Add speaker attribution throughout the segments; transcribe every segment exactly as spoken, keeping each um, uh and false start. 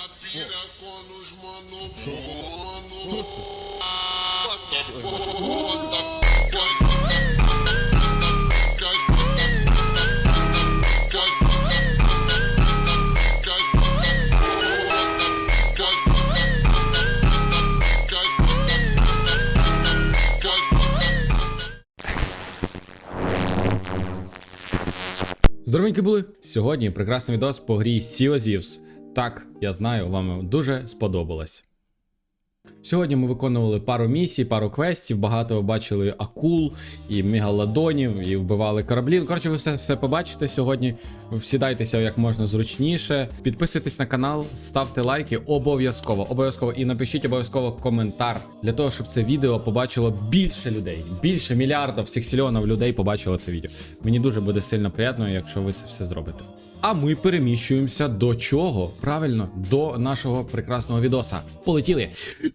Speaker 1: pilha quando os mano mano bota bota
Speaker 2: Здоровенькі були! Сьогодні прекрасний відос по грі Sea of Thieves. Так, я знаю, вам дуже сподобалось. Сьогодні ми виконували пару місій, пару квестів, багато бачили акул і мегалодонів, і вбивали кораблі. Коротше, ви все, все побачите сьогодні. Всідайтеся як можна зручніше. Підписуйтесь на канал, ставте лайки обов'язково. Обов'язково і напишіть обов'язково коментар для того, щоб це відео побачило більше людей. Більше мільярдів, сексільйонів людей побачило це відео. Мені дуже буде сильно приємно, якщо ви це все зробите. А ми переміщуємося до чого? Правильно, до нашого прекрасного відоса. Полетіли!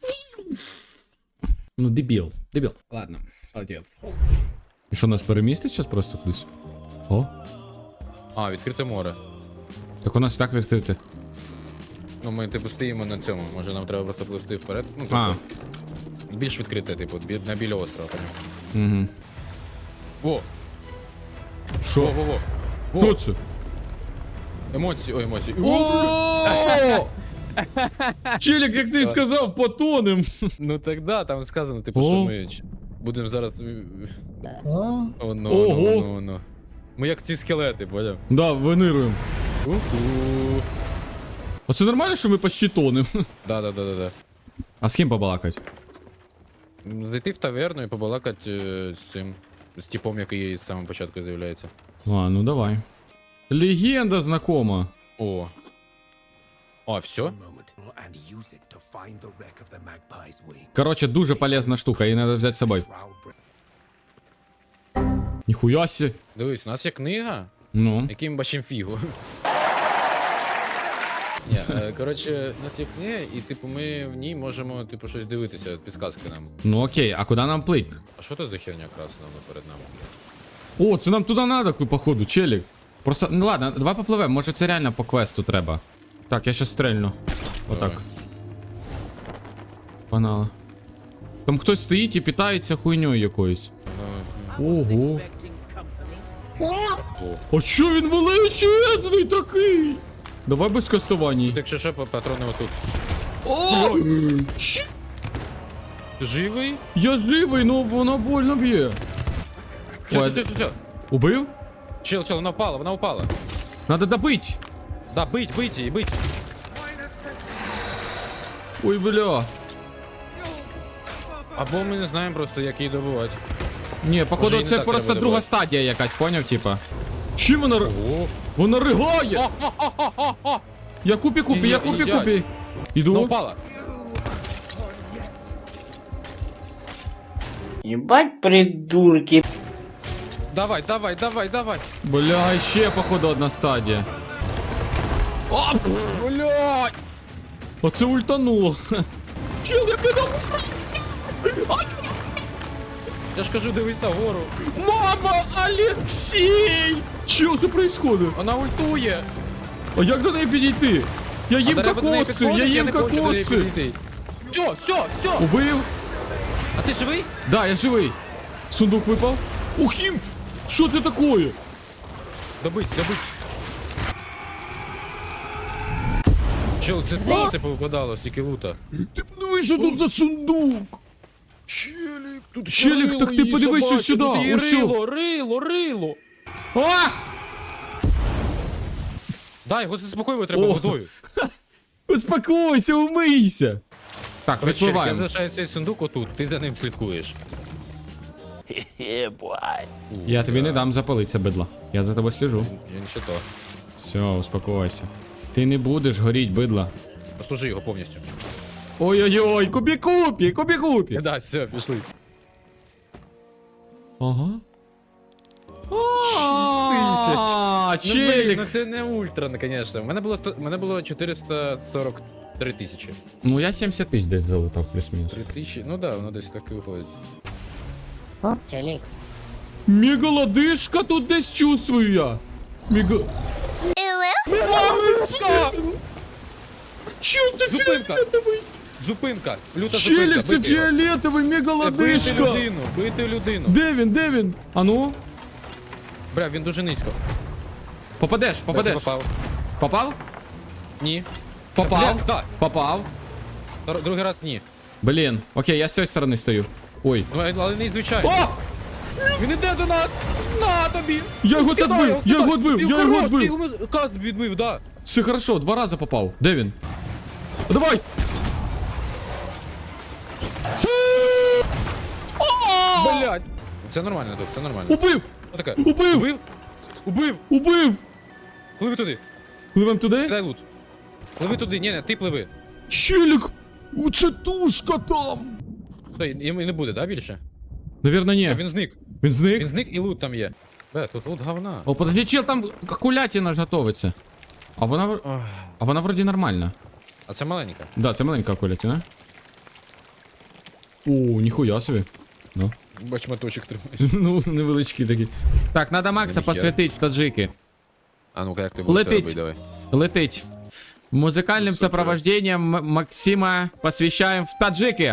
Speaker 2: Ну, дебіл, дебіл. Ладно, полетів. І що, нас перемістить зараз просто кудись? О?
Speaker 3: А, відкрите море.
Speaker 2: Так у нас і так відкрите.
Speaker 3: Ну ми типу стоїмо на цьому. Може нам треба просто плисти вперед. Ну, типу,
Speaker 2: А.
Speaker 3: більш відкрите, типу, бі- на біля острова, поняв.
Speaker 2: Угу.
Speaker 3: Во!
Speaker 2: Що?
Speaker 3: Во-во-во!
Speaker 2: Що це?
Speaker 3: Емоції, ой, емоції.
Speaker 2: О! Челік, як ти сказав, потонем.
Speaker 3: Ну так да, там сказано, типу,
Speaker 2: О.
Speaker 3: що ми ч- будемо зараз. О, ну, ну,
Speaker 2: Ого.
Speaker 3: ну, ну. Ми як ці скелети, поняв?
Speaker 2: Да, винируємо.
Speaker 3: Уху.
Speaker 2: А це нормально, що ми почти тонем?
Speaker 3: Да, да, да, да, да.
Speaker 2: А з ким побалакать?
Speaker 3: Зайти в таверну і побалакати е, з цим. З типом, який з самого початку з'являється.
Speaker 2: А, ну давай. Легенда знакома.
Speaker 3: О. А, все?
Speaker 4: and use it to find the wreck of the Magpie's wing.
Speaker 2: Короче, дуже полезна штука, її треба взяти з собою. Ніхуя сі.
Speaker 3: Дивись, у нас є книга,
Speaker 2: Ну.
Speaker 3: яким бачим фігу. Ні, е, коротше, у нас є книга, і типу ми в ній можемо типу щось дивитися, підсказки нам.
Speaker 2: Ну окей, а куди нам плить?
Speaker 3: А що це за херня красна вона перед нами?
Speaker 2: О, це нам туди надо, походу, челік. Просто, ну ладно, давай попливемо, може це реально по квесту треба. Так, я щас стрельну. Отак.
Speaker 3: Давай.
Speaker 2: Погнали. Там хтось стоїть і питається хуйньою якоюсь. Ого. А що він величезний такий? Давай без кастувань.
Speaker 3: Якщо що, патрони отут.
Speaker 2: О! Чи-
Speaker 3: Ти живий?
Speaker 2: Я живий, ну воно больно б'є.
Speaker 3: Все,
Speaker 2: Ой.
Speaker 3: все, все, все.
Speaker 2: Убив?
Speaker 3: Чел, чел, вона впала, вона впала.
Speaker 2: Надо добить.
Speaker 3: Да, бить, бить її, бить.
Speaker 2: Ой, бля.
Speaker 3: Або ми не знаємо просто, як її добувати.
Speaker 2: Ні, походу,
Speaker 3: Може, і не
Speaker 2: це
Speaker 3: так
Speaker 2: просто
Speaker 3: треба
Speaker 2: друга
Speaker 3: добивати.
Speaker 2: стадія якась, поняв, типа. Чим вона ри-
Speaker 3: О,
Speaker 2: Вона ригає! Я купі купі, я
Speaker 3: Ні,
Speaker 2: купі
Speaker 3: їдять.
Speaker 2: купі.
Speaker 3: вона
Speaker 2: Іду.
Speaker 3: впала.
Speaker 5: Ебать придурки.
Speaker 3: Давай, давай, давай, давай.
Speaker 2: Бля, ще, походу, одна стадія. О, блядь! Оце ультануло. Чел, я піду.
Speaker 3: Я ж кажу, дивись на гору.
Speaker 2: Мама, Алексей! Що це происходит?
Speaker 3: Вона ультує.
Speaker 2: А як до неї підійти? Я їм
Speaker 3: А треба до неї
Speaker 2: кокоси, я
Speaker 3: підходити,
Speaker 2: їм
Speaker 3: не хочу до неї
Speaker 2: кокоси.
Speaker 3: підійти. Все, все, все.
Speaker 2: Убив?
Speaker 3: А ти живий?
Speaker 2: Да, я живий. Сундук випав. Ух, їм! Що це таке?
Speaker 3: Добить, добить. Чел, це це повипадало, стільки лута.
Speaker 2: Ти подивись, що тут за сундук.
Speaker 3: Челік, тут
Speaker 2: Челік, так ти подивись ось сюди, ось сюди.
Speaker 3: Рило, рило, рило.
Speaker 2: А!
Speaker 3: Да, його заспокоювати треба
Speaker 2: О.
Speaker 3: водою.
Speaker 2: Успокойся, умийся. Так,
Speaker 3: Короче, Челік, я
Speaker 2: відпливаємо.
Speaker 3: залишаю цей сундук отут, ти за ним слідкуєш.
Speaker 2: Я тобі не дам запалитися, бидло. Я за тобою сліжу.
Speaker 3: Я нічого то.
Speaker 2: Все, успокойся. Ти не будеш горіть, бидло.
Speaker 3: Послужи його повністю.
Speaker 2: Ой-ой-ой, кубі-купі, кубі-купі.
Speaker 3: Да, все, пішли.
Speaker 2: Ага.
Speaker 3: тисяч.
Speaker 2: А,
Speaker 3: Ну, блін,
Speaker 2: челік.
Speaker 3: ну це не ультра, ну, конечно. У мене було, сто- у мене було чотириста сорок три тисячі.
Speaker 2: Ну я сімдесят тисяч десь залутав, плюс-мінус.
Speaker 3: три тисячі, ну да, воно десь так і виходить.
Speaker 5: О, челик.
Speaker 2: Мегалодишка тут десь чувствую я. Мега... Мамиця! Чел, це
Speaker 3: Зупинка.
Speaker 2: фіолетовий!
Speaker 3: Зупинка! Люта
Speaker 2: Челік,
Speaker 3: зупинка!
Speaker 2: це
Speaker 3: Бити його.
Speaker 2: фіолетовий, мега
Speaker 3: Бити
Speaker 2: лодишка!
Speaker 3: людину! Бити людину!
Speaker 2: Де він, де він? А ну?
Speaker 3: Бля, він дуже низько.
Speaker 2: Попадеш,
Speaker 3: Бля,
Speaker 2: попадеш.
Speaker 3: ти Попав.
Speaker 2: Попав?
Speaker 3: Ні.
Speaker 2: Попав?
Speaker 3: Бля, да.
Speaker 2: Попав.
Speaker 3: Втор- Другий раз ні.
Speaker 2: Блін, окей, я з цієї сторони стою. Ой.
Speaker 3: Ну, але не звичайно.
Speaker 2: О!
Speaker 3: Він іде до нас! На тобі!
Speaker 2: Я його
Speaker 3: Кидай
Speaker 2: задбив! Я його
Speaker 3: кидай.
Speaker 2: відбив!
Speaker 3: Ти
Speaker 2: Я його
Speaker 3: хорош, ти
Speaker 2: відбив!
Speaker 3: йому каст відбив, да.
Speaker 2: Все хорошо, два рази попав. Де він? Давай!
Speaker 3: Блять. Це нормально тут, це нормально.
Speaker 2: Убив!
Speaker 3: Отаке.
Speaker 2: Убив!
Speaker 3: Убив? Убив!
Speaker 2: Убив!
Speaker 3: Пливи туди.
Speaker 2: Пливем туди?
Speaker 3: Кидай лут. Пливи туди, ні, ні, ти пливи.
Speaker 2: Челік! Це тушка там!
Speaker 3: Стой, і не буде, да, більше?
Speaker 2: Навірно, ні.
Speaker 3: Він зник.
Speaker 2: Він зник?
Speaker 3: Він зник і лут там є. Бля, тут лут говна.
Speaker 2: О, подожди, чел, там кулятина ж готовиться. А вона, в-
Speaker 3: Ох.
Speaker 2: а вона вроді нормальна.
Speaker 3: А це маленька.
Speaker 2: Да, це маленька кулятина. О, ніхуя собі. Ну.
Speaker 3: Бач, моточок тримаєш.
Speaker 2: Ну, невеличкі такі. Так, надо Макса
Speaker 3: Ніхера.
Speaker 2: посвятить в таджики.
Speaker 3: А ну-ка, як ти будеш це
Speaker 2: Летить.
Speaker 3: робити, давай.
Speaker 2: Летить. Музыкальным
Speaker 3: Супер.
Speaker 2: сопровождением М- Максима посвящаем в таджики.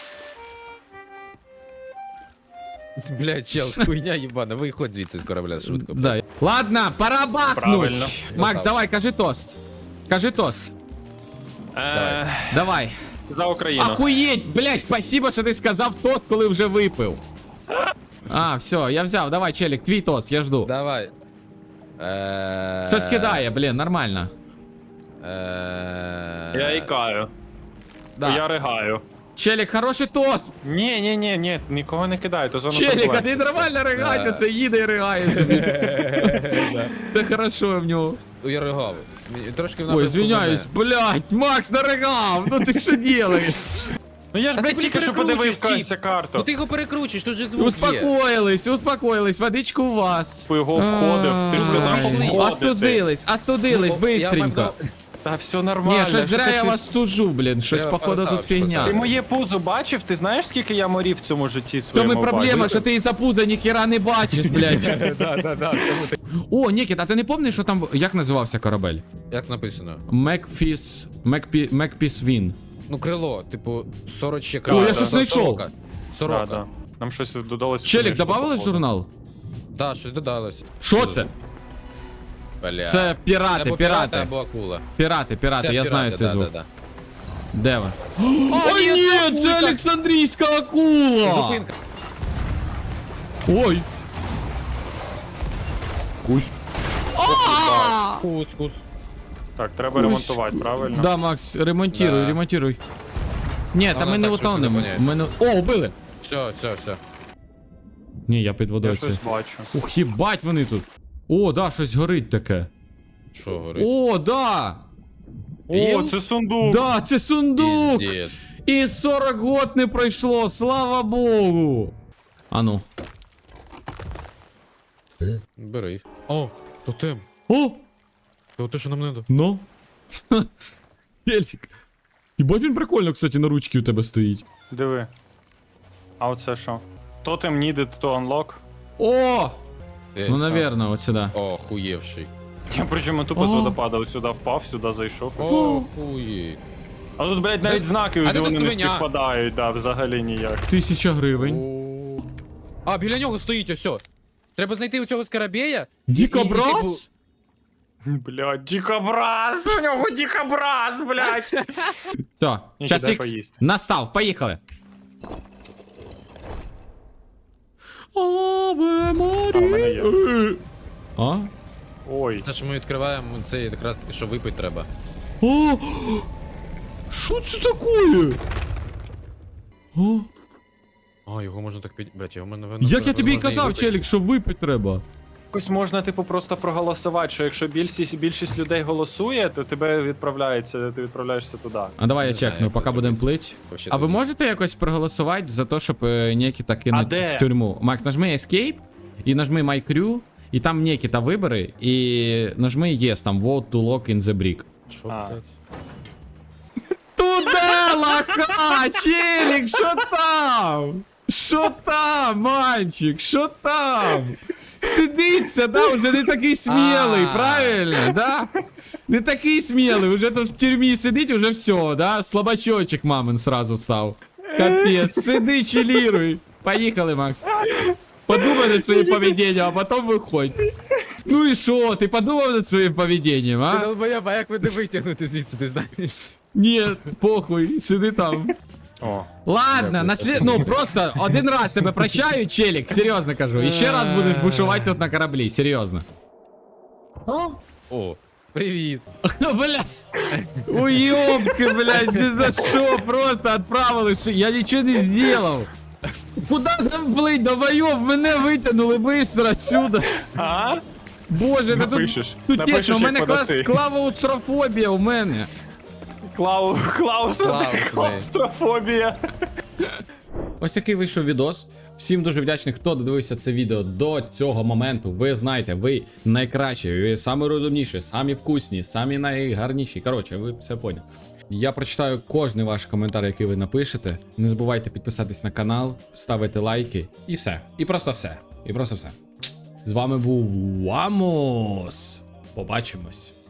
Speaker 3: Блядь, чел, хуйня ебана, виходь звідси з корабля, швидко.
Speaker 2: Да. Ладно, пора бахнуть.
Speaker 6: Правильно.
Speaker 2: Макс, давай, кажи тост. Кажи тост.
Speaker 6: Е,
Speaker 2: Давай.
Speaker 6: За Україну.
Speaker 2: Охуєть, блядь, спасибо, що ти сказав тост, коли вже випив. А, все, я взяв. Давай, челік, твій тост, я жду.
Speaker 3: Давай. Е,
Speaker 2: Щось кидає, блін, нормально.
Speaker 3: е,
Speaker 6: Я ікаю.
Speaker 2: Да.
Speaker 6: Я ригаю.
Speaker 2: Челік, хороший тост.
Speaker 6: Ні, ні, ні, ні, нікого не кидаю, то зона
Speaker 2: Челік, а ти
Speaker 6: турбуленції.
Speaker 2: нормально ригай, це їде і ригає собі. Це хорошо в нього.
Speaker 3: Я ригав. Мені- Трошки в
Speaker 2: Ой,
Speaker 3: напрямку
Speaker 2: извиняюсь,
Speaker 3: мене.
Speaker 2: блядь, Макс наригав, ну ти що делаєш?
Speaker 6: Ну я ж,
Speaker 3: Та
Speaker 6: блядь,
Speaker 3: ти
Speaker 6: тільки що
Speaker 3: перекручуєш,
Speaker 6: подивив
Speaker 3: Чіп.
Speaker 6: цю карту.
Speaker 3: Ну ти його перекручуєш, тут же звук є.
Speaker 2: Успокоїлись, успокоїлись, водичку у вас.
Speaker 6: По його обходив, ти ж сказав, що
Speaker 3: Ай,
Speaker 6: обходити.
Speaker 2: Остудились, остудились,
Speaker 3: Ну, я
Speaker 2: бистренько.
Speaker 3: мав
Speaker 6: Та все нормально.
Speaker 2: Ні, щось
Speaker 6: що
Speaker 2: зря
Speaker 6: ти-
Speaker 2: я вас стужу, блін, щось
Speaker 3: Треба
Speaker 2: походу тут
Speaker 3: поставити,
Speaker 2: фігня.
Speaker 6: Ти
Speaker 3: поставити.
Speaker 6: моє пузо бачив? Ти знаєш, скільки я морів в цьому житті
Speaker 2: В
Speaker 6: своєму
Speaker 2: цьому проблема,
Speaker 6: бачив?
Speaker 2: що ти із-за пуза ніхіра не бачиш, блядь. О, Нікіт, а ти не пам'ятаєш, що там, як називався корабель?
Speaker 3: Як написано?
Speaker 2: Мекфіс, Мекпі, Мекпіс Він.
Speaker 3: Ну, крило, типу, сороче
Speaker 2: О,
Speaker 3: крило.
Speaker 2: я
Speaker 6: да,
Speaker 2: щось
Speaker 6: да,
Speaker 2: знайшов.
Speaker 3: Сорока.
Speaker 6: Да,
Speaker 3: Сорока.
Speaker 6: да. Нам щось додалось.
Speaker 2: Челік,
Speaker 6: що
Speaker 2: добавили в
Speaker 6: походу.
Speaker 2: журнал?
Speaker 3: Да, щось додалось.
Speaker 2: Що це?
Speaker 3: Бля.
Speaker 2: Це пірати,
Speaker 3: Або
Speaker 2: пірати.
Speaker 3: або акула.
Speaker 2: Пірати, пірати,
Speaker 3: Це
Speaker 2: я
Speaker 3: пірати,
Speaker 2: знаю цей
Speaker 3: да,
Speaker 2: звук.
Speaker 3: да, да.
Speaker 2: Де ви?
Speaker 3: О,
Speaker 2: Ой, ні, це Олександрійська акула!
Speaker 3: Зупинка.
Speaker 2: Ой. Кусь.
Speaker 3: Куц, куц.
Speaker 6: Так, треба ремонтувати, правильно?
Speaker 2: Да, Макс, ремонтируй,
Speaker 3: Да.
Speaker 2: ремонтируй. Ні, та
Speaker 3: Вона
Speaker 2: ми не
Speaker 3: так швидко
Speaker 2: утонемо.
Speaker 3: не
Speaker 2: Ми не... О, убили!
Speaker 3: Все, все, все.
Speaker 2: Ні, я під
Speaker 6: Я
Speaker 2: водою
Speaker 6: щось
Speaker 2: це.
Speaker 6: бачу.
Speaker 2: Ух, їбать вони тут. О, да, щось горить таке.
Speaker 3: Що горить?
Speaker 2: О, да!
Speaker 6: О,
Speaker 3: Іл?
Speaker 6: це сундук!
Speaker 2: Да, це сундук!
Speaker 3: Піздець.
Speaker 2: І сорок год не пройшло, слава Богу! Ану.
Speaker 3: Бери. О, тотем.
Speaker 2: О!
Speaker 3: Це те, що нам надо.
Speaker 2: Ну. Пельтик. Єбать він прикольно, кстати, на ручці у тебе стоїть.
Speaker 6: Диви. А оце що? Totem needed to unlock.
Speaker 2: О!
Speaker 3: Е,
Speaker 2: Ну,
Speaker 3: сам.
Speaker 2: наверно, от сюди.
Speaker 3: О, хуєвший.
Speaker 6: Я причому тупо з
Speaker 2: О.
Speaker 6: водопада сюди впав, сюди зайшов.
Speaker 3: О, хуї.
Speaker 6: А тут, блядь, навіть
Speaker 3: Де-
Speaker 6: знаки
Speaker 3: а
Speaker 6: де
Speaker 3: де
Speaker 6: вони
Speaker 3: тут
Speaker 6: не
Speaker 3: свиня?
Speaker 6: співпадають, да, взагалі ніяк.
Speaker 2: Тисяча гривень.
Speaker 3: О. А, біля нього стоїть ось. Треба знайти у цього скарабея.
Speaker 2: Дікобраз?
Speaker 6: Блядь, дикобраз! У нього дикобраз, блядь!
Speaker 2: Все,
Speaker 6: Ні,
Speaker 2: час
Speaker 6: дай
Speaker 2: ікс
Speaker 6: поїсти.
Speaker 2: настав, поїхали. Аве
Speaker 6: А, в мене
Speaker 2: Марія.
Speaker 6: є.
Speaker 2: Е. А?
Speaker 6: Ой,
Speaker 3: Це ж ми відкриваємо, це якраз таки, що випити треба.
Speaker 2: О! Що це таке? О,
Speaker 3: А, його можна так під... Блять, його можна... напевно,
Speaker 2: як я тобі і
Speaker 3: можна
Speaker 2: казав,
Speaker 3: випити.
Speaker 2: челік, що випити треба.
Speaker 6: якось можна, типу, просто проголосувати, що якщо більшість, більшість людей голосує, то тебе відправляється, ти відправляєшся туди.
Speaker 2: А давай я
Speaker 3: Не знаю,
Speaker 2: чекну,
Speaker 3: як
Speaker 2: поки
Speaker 3: це
Speaker 2: будемо
Speaker 3: зробити.
Speaker 2: плить.
Speaker 3: Вообще
Speaker 2: А ви
Speaker 3: тут-
Speaker 2: можете якось проголосувати за те, щоб е, Нікіта кинуть
Speaker 6: де?
Speaker 2: в тюрму? Макс, нажми Escape і нажми My Crew, і там Нікіта вибери, і нажми Yes, там Vote to lock in the brick.
Speaker 3: Що,
Speaker 6: А.
Speaker 3: блядь?
Speaker 2: Туда, лоха, челік, що там? Що там, мальчик, що там? Сидиться, да, вже не такий смілий,
Speaker 3: А.
Speaker 2: правильно, да? Не такий смілий, уже тут в тюрмі сидить, уже все, да? Слабачочек мамин сразу став. Капець, сиди, чиліруй. Поїхали, Макс. Подумай над своїм поведінням, а потім виходь. Ну і що, ти подумав над своїм поведінням,
Speaker 3: Ти
Speaker 2: а?
Speaker 3: долбоєб, а як мене витягнути звідси, ти знаєш?
Speaker 2: Ні, похуй, сиди там.
Speaker 6: О,
Speaker 2: Ладно,
Speaker 3: Дякую.
Speaker 2: на слід... ну просто один раз тебе прощаю, челік, серйозно кажу. І ще раз будеш бушувати тут на кораблі, серйозно.
Speaker 3: О, привіт.
Speaker 2: Бля, уёбки, блядь, не за що, просто отправили, що я нічого не зробив. Куда там плыть, долбоёб, мене витягнули быстро отсюда.
Speaker 6: а?
Speaker 2: Боже, та
Speaker 6: Напишеш.
Speaker 2: тут, тут
Speaker 6: Напишеш,
Speaker 2: тесно, у
Speaker 6: як
Speaker 2: мене клас,
Speaker 6: подаси.
Speaker 2: клавоустрофобія у мене.
Speaker 6: Клау... Клаус...
Speaker 3: Клаус,
Speaker 6: Клаустрофобія.
Speaker 2: Ось такий вийшов відос. Всім дуже вдячний, хто додивився це відео до цього моменту. Ви знаєте, ви найкращі, ви самі розумніші, самі вкусні, самі найгарніші. Коротше, ви все поняли. Я прочитаю кожний ваш коментар, який ви напишете. Не забувайте підписатись на канал, ставити лайки і все. І просто все. І просто все. З вами був Вамос. Побачимось.